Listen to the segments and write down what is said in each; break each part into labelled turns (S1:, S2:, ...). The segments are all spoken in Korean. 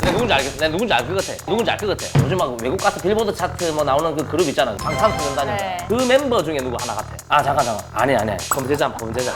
S1: 내가 누군지 알겠어. 내가 누군지 알 것 같아. 누군지 알 것 같아. 요즘 막 외국 가서 빌보드 차트 뭐 나오는 그 그룹 있잖아. 방탄소년단이야.
S2: 네.
S1: 그 멤버 중에 누구 하나 같아. 아 잠깐. 아니. 범죄자.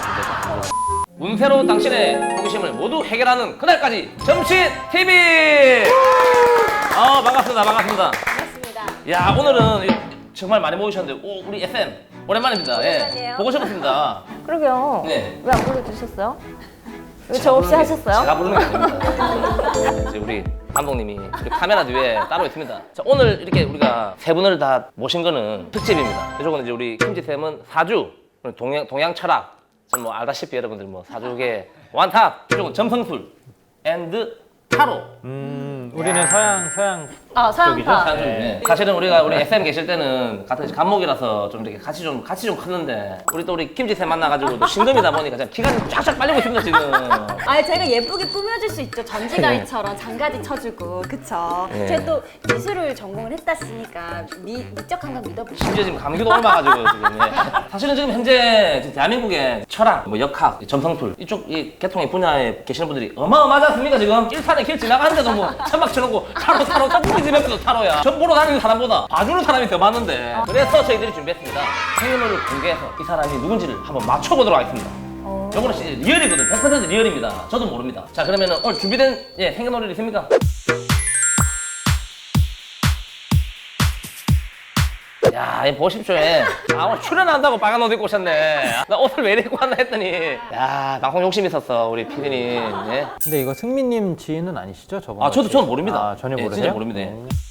S1: 운세로 당신의 호기심을 모두 해결하는 그날까지 점심 TV. 반갑습니다.
S2: 반갑습니다.
S1: 야 오늘은 정말 많이 모이셨는데 우리 FM 오랜만입니다.
S2: 오랜만이에요.
S1: 보고 싶었습니다.
S2: 그러게요.
S1: 네.
S2: 왜 안 불러주셨어요? 왜 저 없이 하셨어요?
S1: 제가 부르는 게 아닙니다. 네, 이제 우리 감독님이 우리 카메라 뒤에 따로 있습니다. 자, 오늘 이렇게 우리가 세 분을 다 모신 거는 특집입니다. 이쪽은 이제 우리 김지쌤은 사주, 동양 철학, 뭐 알다시피 여러분들 뭐 사주계 완탑, 이쪽은 점성술, 앤드 타로.
S3: 우리는 서양
S2: 서양파.
S1: 네. 사실은 우리 FM 계실 때는 같은 감목이라서 좀 이렇게 같이 좀 컸는데 우리 또 우리 김지쌤 만나가지고 또 신금이다 보니까 지금 기간이 쫙쫙 빨리고 있습니다 지금.
S2: 제가 예쁘게 꾸며줄 수 있죠. 전지가위처럼 장가지 쳐주고, 그쵸?
S1: 네.
S2: 제가 또 미술을 전공을 했다으니까 미적한 건 믿어보시죠.
S1: 심지어 지금 감기도 옮아가지고 지금. 사실은 지금 현재 지금 대한민국의 철학, 뭐 역학, 점성술 이쪽 이 계통의 분야에 계시는 분들이 어마어마하지 않습니까 지금? 일산에 길 지나가는데도 뭐 천막 쳐놓고 타로 우리 집 옆에도 타로야. 전 보러 다니는 사람보다 봐주는 사람이 더 많은데. 그래서 저희들이 준비했습니다. 생일을 공개해서 이 사람이 누군지를 한번 맞춰보도록 하겠습니다. 요거는 리얼이거든. 100% 리얼입니다. 저도 모릅니다. 자 그러면은 오늘 준비된 생일놀이 있습니까? 야, 이 보십시오. 오늘 출연한다고 빨간 옷 입고 오셨네. 나 옷을 왜 이렇게 입고 왔나 했더니 야, 방송 욕심 있었어, 우리 PD님. 예.
S3: 근데 이거 승민님 지인은 아니시죠? 저번
S1: 저는 모릅니다.
S3: 전혀 모르세요?
S1: 진짜 모릅니다.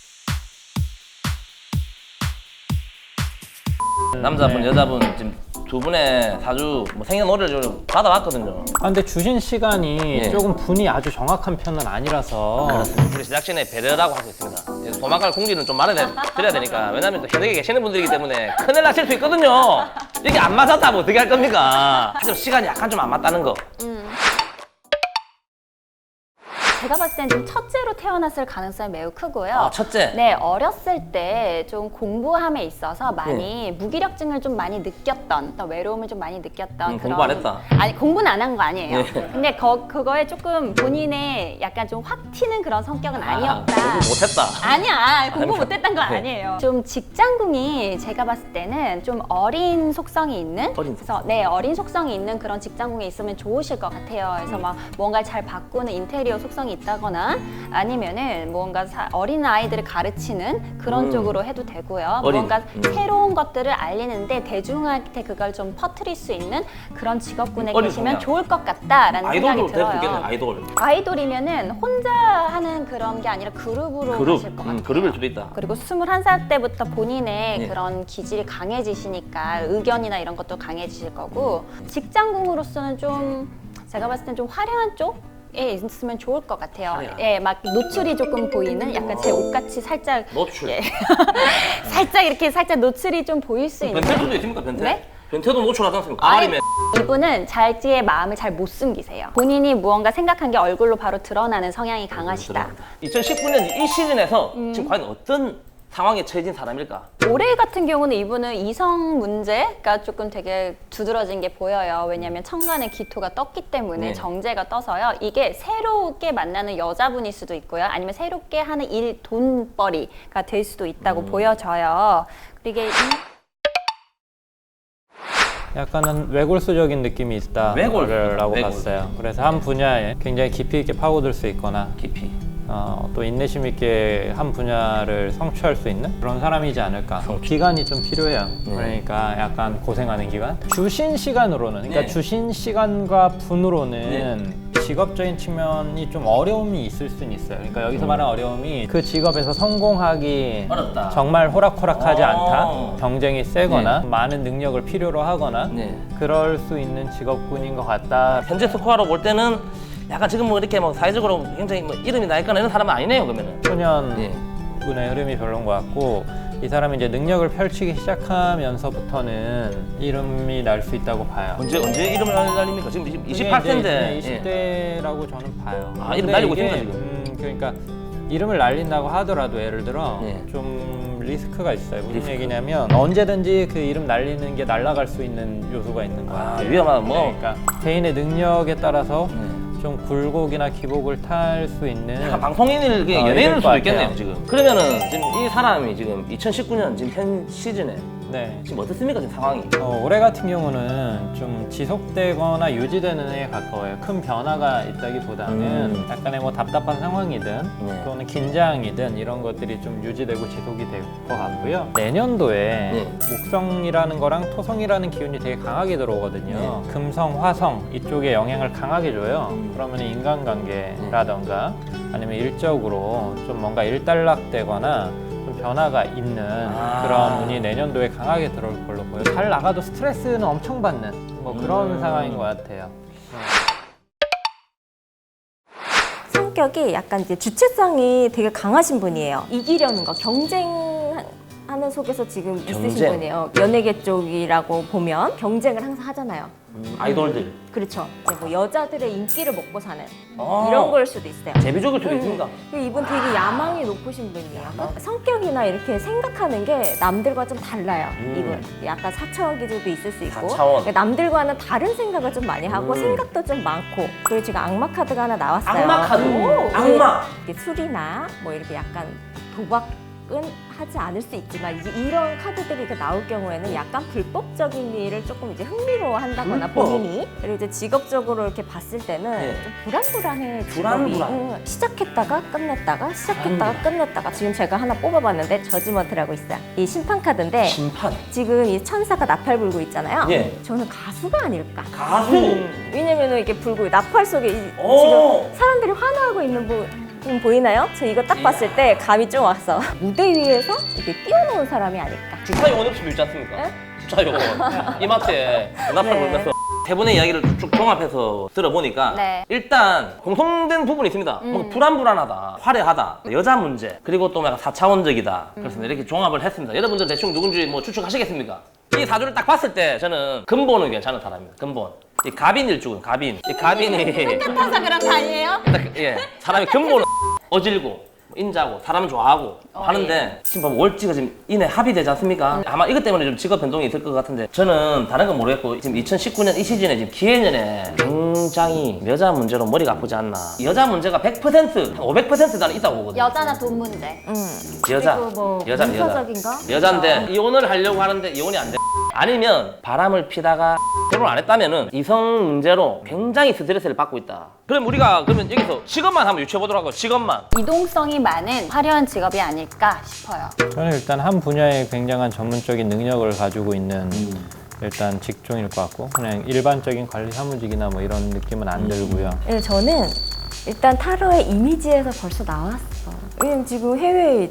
S1: 남자분,
S3: 네.
S1: 여자분 지금 두 분의 사주 뭐 생년월일을 좀 받아왔거든요.
S3: 근데 주신 시간이 조금 분이 아주 정확한 편은 아니라서
S1: 그렇습니다. 우리 제작진의 배려라고 하고 있습니다. 도망갈 공지는 좀 말해드려야 되니까. 왜냐면 또 현역에 계시는 분들이기 때문에 큰일 나실 수 있거든요. 이게 안 맞았다면 어떻게 할 겁니까? 하지만 시간이 약간 좀 안 맞다는 거.
S2: 제가 봤을 땐 좀 첫째로 태어났을 가능성이 매우 크고요.
S1: 첫째.
S2: 네, 어렸을 때 좀 공부함에 있어서 많이 무기력증을 좀 많이 느꼈던, 또 외로움을 좀 많이 느꼈던 그런.
S1: 공부 안 했다.
S2: 아니, 공부는 안 한 거 아니에요. 근데 그거에 조금 본인의 약간 좀 확 튀는 그런 성격은 아니었다.
S1: 공부 못했다.
S2: 아니야, 공부 못했던 거
S1: 네.
S2: 아니에요. 좀 직장궁이 제가 봤을 때는 좀 어린 속성이 있는, 그래서 어린 속성이 있는 그런 직장궁에 있으면 좋으실 것 같아요. 그래서 막 뭔가 잘 바꾸는 인테리어 속성이 있다거나 아니면은 뭔가 어린 아이들을 가르치는 그런 쪽으로 해도 되고요. 뭔가 새로운 것들을 알리는데 대중한테 그걸 좀 퍼뜨릴 수 있는 그런 직업군에 계시면 좋을 것 같다라는 생각이 들어요. 아이돌이면은 혼자 하는 그런 게 아니라 그룹으로 하실 것 같아요.
S1: 그룹을 둘이 있다.
S2: 그리고 21살 때부터 본인의 그런 기질이 강해지시니까 의견이나 이런 것도 강해지실 거고, 직장궁으로서는 좀 제가 봤을 땐 좀 화려한 쪽에 있으면 좋을 것 같아요. 막 노출이 조금 보이는 약간 제 옷같이 살짝
S1: 노출.
S2: 살짝 노출이 좀 보일 수 있는.
S1: 변태도 있습니까, 변태?
S2: 네?
S1: 변태도 노출하지 않습니까? 가발이면.
S2: 이분은 자기의 마음을 잘 못 숨기세요. 본인이 무언가 생각한 게 얼굴로 바로 드러나는 성향이 강하시다.
S1: 2019년 이 시즌에서 지금 과연 어떤 상황에 처해진 사람일까?
S2: 올해 같은 경우는 이분은 이성 문제가 조금 되게 두드러진 게 보여요. 왜냐하면 천간에 기토가 떴기 때문에 정제가 떠서요. 이게 새롭게 만나는 여자분일 수도 있고요. 아니면 새롭게 하는 일, 돈벌이가 될 수도 있다고 보여져요. 그리고 이게
S3: 약간은 외골수적인 느낌이 있다라고 봤어요. 그래서 한 분야에 굉장히 깊이 있게 파고들 수 있거나
S1: 깊이.
S3: 또 인내심 있게 한 분야를 성취할 수 있는 그런 사람이지 않을까. 기간이 좀 필요해요. 그러니까 약간 고생하는 기간. 주신 시간으로는, 그러니까 주신 시간과 분으로는 직업적인 측면이 좀 어려움이 있을 수는 있어요. 그러니까 여기서 말하는 어려움이 그 직업에서 성공하기
S1: 어렵다.
S3: 정말 호락호락하지 않다. 경쟁이 세거나 많은 능력을 필요로 하거나 그럴 수 있는 직업군인 것 같다.
S1: 현재 스코어로 볼 때는 약간 지금 뭐 이렇게 뭐 사회적으로 굉장히 뭐 이름이 나 있거나 이런 사람은 아니네요, 그러면은.
S3: 소년분의 흐름이 별론 것 같고, 이 사람이 이제 능력을 펼치기 시작하면서부터는 이름이 날 수 있다고 봐요.
S1: 언제 이름을 날립니까? 지금 28세인데.
S3: 20대라고 저는 봐요.
S1: 이름 날리고
S3: 이게,
S1: 있습니다, 지금.
S3: 그러니까 이름을 날린다고 하더라도 예를 들어 좀 리스크가 있어요. 무슨 얘기냐면 언제든지 그 이름 날리는 게 날아갈 수 있는 요소가 있는 거야.
S1: 위험한 뭐.
S3: 그러니까 개인의 능력에 따라서 좀 굴곡이나 기복을 탈 수 있는
S1: 약간 방송인일 게
S3: 어,
S1: 연예인일
S3: 이럴
S1: 수도
S3: 것
S1: 있겠네요
S3: 같아요.
S1: 지금. 그러면은 지금 이 사람이 지금 2019년 지금 현 시즌에
S3: 네.
S1: 지금 어떻습니까 지금 상황이?
S3: 올해 같은 경우는 좀 지속되거나 유지되는 해에 가까워요. 큰 변화가 있다기보다는 약간의 뭐 답답한 상황이든
S1: 네.
S3: 또는 긴장이든 이런 것들이 좀 유지되고 지속이 될 것 같고요. 내년도에
S1: 네.
S3: 목성이라는 거랑 토성이라는 기운이 되게 강하게 들어오거든요. 금성, 화성 이쪽에 영향을 강하게 줘요. 그러면 인간관계라던가 아니면 일적으로 좀 뭔가 일단락되거나 좀 변화가 있는 그런 운이 내년도에 강하게 들어올 걸로 보여요. 잘 나가도 스트레스는 엄청 받는 뭐 그런 상황인 것 같아요.
S4: 성격이 약간 이제 주체성이 되게 강하신 분이에요. 이기려는 거, 경쟁하는 속에서 지금 있으신
S1: 경쟁?
S4: 분이에요. 연예계 쪽이라고 보면 경쟁을 항상 하잖아요.
S1: 아이돌들
S4: 그렇죠. 이제 뭐 여자들의 인기를 먹고 사는
S1: 아.
S4: 이런 걸 수도 있어요.
S1: 제비족일 수도 있습니다.
S4: 그리고 이분 되게 야망이 높으신 분이에요. 성격이나 이렇게 생각하는 게 남들과 좀 달라요. 이분 약간 사차원 기질도 있을 수 있고
S1: 4차원.
S4: 그러니까 남들과는 다른 생각을 좀 많이 하고 생각도 좀 많고 그리고 지금 악마 카드가 하나 나왔어요.
S1: 악마 카드.
S4: 오,
S1: 악마.
S4: 이게 술이나 뭐 이렇게 약간 도박은 하지 않을 수 있지만 이제 이런 카드들이 이렇게 나올 경우에는 약간 불법적인 일을 조금 이제 흥미로워한다거나
S1: 불법?
S4: 본인이 그리고 이제 직업적으로 이렇게 봤을 때는
S1: 네.
S4: 좀 불안불안해. 직업이.
S1: 불안불안.
S4: 응. 시작했다가 끝냈다가 시작했다가 끝냈다가 지금 제가 하나 뽑아봤는데 저지먼트라고 있어요. 이 심판 카드인데
S1: 심판.
S4: 지금 이 천사가 나팔 불고 있잖아요.
S1: 예.
S4: 저는 가수가 아닐까.
S1: 가수.
S4: 왜냐면은 이게 불고 나팔 속에
S1: 오.
S4: 지금 사람들이 화나고 있는 분 보이나요? 저 이거 딱 봤을 때 감이 좀 왔어. 무대 위에서 이렇게 뛰어놓은 사람이 아닐까.
S1: 주차 요원 없으면 있지 않습니까?
S4: 네?
S1: 주차 요원. 이마트에 나팔
S4: 네.
S1: 불면서 세 분의 이야기를 쭉 종합해서 들어보니까
S2: 네.
S1: 일단 공통된 부분이 있습니다. 뭔가 불안불안하다, 화려하다, 여자 문제, 그리고 또 약간 4차원적이다. 그래서 이렇게 종합을 했습니다. 여러분들 대충 누군지 뭐 추측하시겠습니까? 이 사주를 딱 봤을 때 저는 근본은 괜찮은 사람입니다. 근본. 이 갑인일주군, 갑인. 이 갑인이
S2: 같아서 그런 거 아니에요?
S1: 예, 사람이 근본은 어질고 인자고 사람은 좋아하고 하는데 지금 보면 월지가 지금 이내 합의되지 않습니까? 아마 이것 때문에 좀 직업 변동이 있을 것 같은데 저는 다른 건 모르겠고 지금 2019년 이 시즌에 지금 기해년에 굉장히 여자 문제로 머리가 아프지 않나. 여자 문제가 100%, 500% 나는 있다고 보거든요.
S2: 여자나 돈 문제.
S1: 여자,
S4: 그리고 뭐
S1: 여자.
S4: 문서적인가?
S1: 여잔데 이혼을 하려고 하는데 이혼이 안 돼. 아니면 바람을 피다가 결혼 안 했다면은 이성 문제로 굉장히 스트레스를 받고 있다. 그럼 우리가 그러면 여기서 직업만 한번 유추해 보도록 하고 직업만.
S2: 이동성이 많은 화려한 직업이 아닐까 싶어요.
S3: 저는 일단 한 분야에 굉장한 전문적인 능력을 가지고 있는 일단 직종일 것 같고 그냥 일반적인 관리 사무직이나 뭐 이런 느낌은 안 들고요.
S4: 네, 저는 일단 타로의 이미지에서 벌써 나왔어. 왜냐면 지금 해외에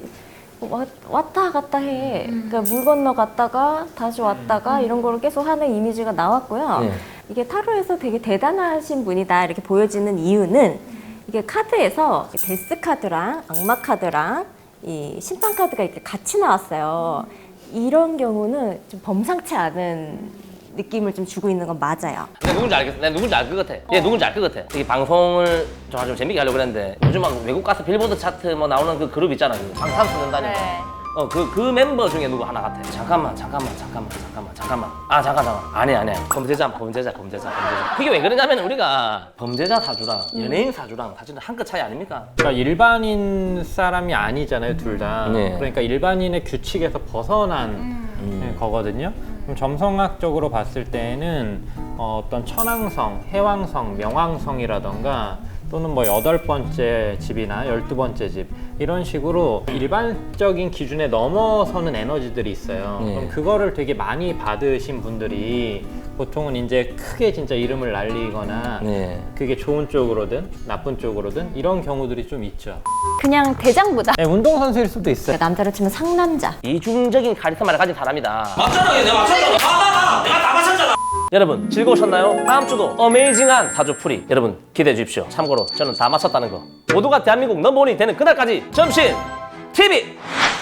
S4: 왔다 갔다 해. 그러니까 물 건너 갔다가 다시 왔다가 이런 거를 계속 하는 이미지가 나왔고요.
S1: 네.
S4: 이게 타로에서 되게 대단하신 분이다 이렇게 보여지는 이유는 이게 카드에서 데스 카드랑 악마 카드랑 이 심판 카드가 이렇게 같이 나왔어요. 이런 경우는 좀 범상치 않은 느낌을 좀 주고 있는 건 맞아요.
S1: 내가 누군지 알겠어. 내가 누군지 알 것 같아. 얘 누군지 알 것 같아. 이 방송을 좀 재밌게 하려고 그랬는데 요즘 막 외국 가서 빌보드 차트 뭐 나오는 그 그룹 있잖아. 그 방탄소년단이니까.
S2: 네.
S1: 그 멤버 중에 누구 하나 같아. 잠깐만. 잠깐. 아니야. 범죄자. 그게 왜 그러냐면 우리가 범죄자 사주랑 연예인 사주랑 사실은 한 끗 차이 아닙니까?
S3: 그러니까 일반인 사람이 아니잖아요, 둘 다.
S1: 네.
S3: 그러니까 일반인의 규칙에서 벗어난 거거든요. 그럼 점성학적으로 봤을 때는 어떤 천왕성, 해왕성, 명왕성이라던가 또는 뭐 8번째 집이나 12번째 집 이런 식으로 일반적인 기준에 넘어서는 에너지들이 있어요.
S1: 네.
S3: 그럼 그거를 되게 많이 받으신 분들이 보통은 이제 크게 진짜 이름을 날리거나
S1: 네.
S3: 그게 좋은 쪽으로든 나쁜 쪽으로든 이런 경우들이 좀 있죠.
S2: 그냥 대장보다.
S3: 네, 운동선수일 수도 있어요.
S4: 남자로 치면 상남자.
S1: 이중적인 카리스마를 가진 사람이다. 맞잖아, 내가 맞췄잖아. 내가 다 맞췄잖아. 여러분 즐거우셨나요? 다음 주도 어메이징한 사주풀이 여러분 기대해 주십시오. 참고로 저는 다 맞췄다는 거. 모두가 대한민국 넘버원이 되는 그날까지 점심 TV.